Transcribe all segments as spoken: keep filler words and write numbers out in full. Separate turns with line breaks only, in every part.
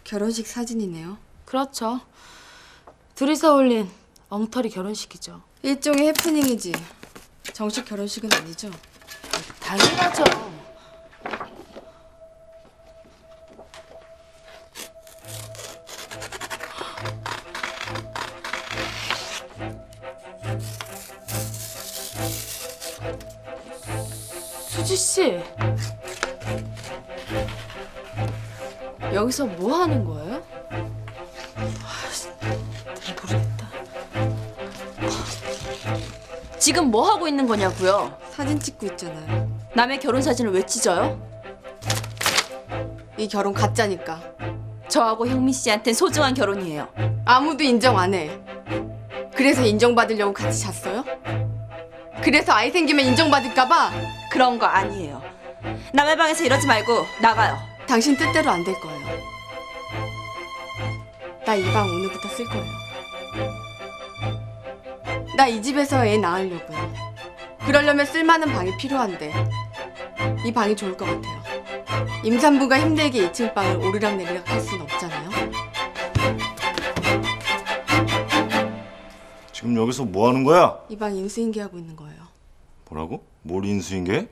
결혼식 사진이네요.
그렇죠. 둘이서 올린 엉터리 결혼식이죠.
일종의 해프닝이지. 정식 결혼식은 아니죠.
당연하죠. 수지 씨, 여기서 뭐 하는 거예요? 모르겠다. 지금 뭐 하고 있는 거냐고요?
사진 찍고 있잖아요.
남의 결혼 사진을 왜 찢어요?
이 결혼 가짜니까.
저하고 형민 씨한텐 소중한 결혼이에요.
아무도 인정 안 해. 그래서 인정받으려고 같이 잤어요? 그래서 아이 생기면 인정받을까 봐?
그런 거 아니에요. 남의 방에서 이러지 말고 나가요.
당신 뜻대로 안 될 거예요. 나 이 방 오늘부터 쓸 거예요. 나 이 집에서 애 낳으려고요. 그러려면 쓸만한 방이 필요한데 이 방이 좋을 것 같아요. 임산부가 힘들게 이 층 방을 오르락내리락 할 순 없잖아요.
지금 여기서 뭐 하는 거야?
이 방 인수인계하고 있는 거예요.
뭐라고? 뭘 인수인계?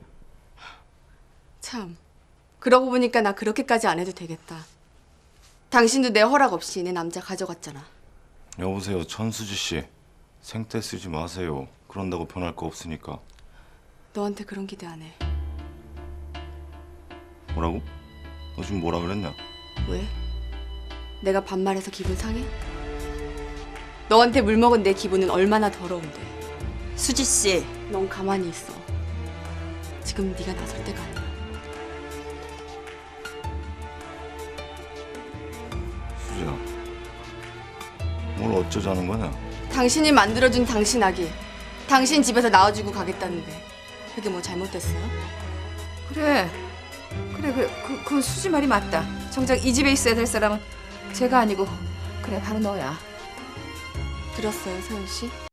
참, 그러고 보니까 나 그렇게까지 안 해도 되겠다. 당신도 내 허락 없이 내 남자 가져갔잖아.
여보세요, 천수지 씨. 생떼 쓰지 마세요. 그런다고 변할 거 없으니까.
너한테 그런 기대 안 해.
뭐라고? 너 지금 뭐라 그랬냐?
왜? 내가 반말해서 기분 상해? 너한테 물 먹은 내 기분은 얼마나 더러운데.
수지 씨,
넌 가만히 있어. 지금 네가 나설 때가 아니야.
수지야, 뭘 어쩌자는 거냐?
당신이 만들어준 당신 아기, 당신 집에서 낳아주고 가겠다는데 그게 뭐 잘못됐어요?
그래, 그래, 그래, 그, 그 수지 말이 맞다. 정작 이 집에 있어야 될 사람은 제가 아니고 그래 바로 너야.
들었어요, 서윤 씨?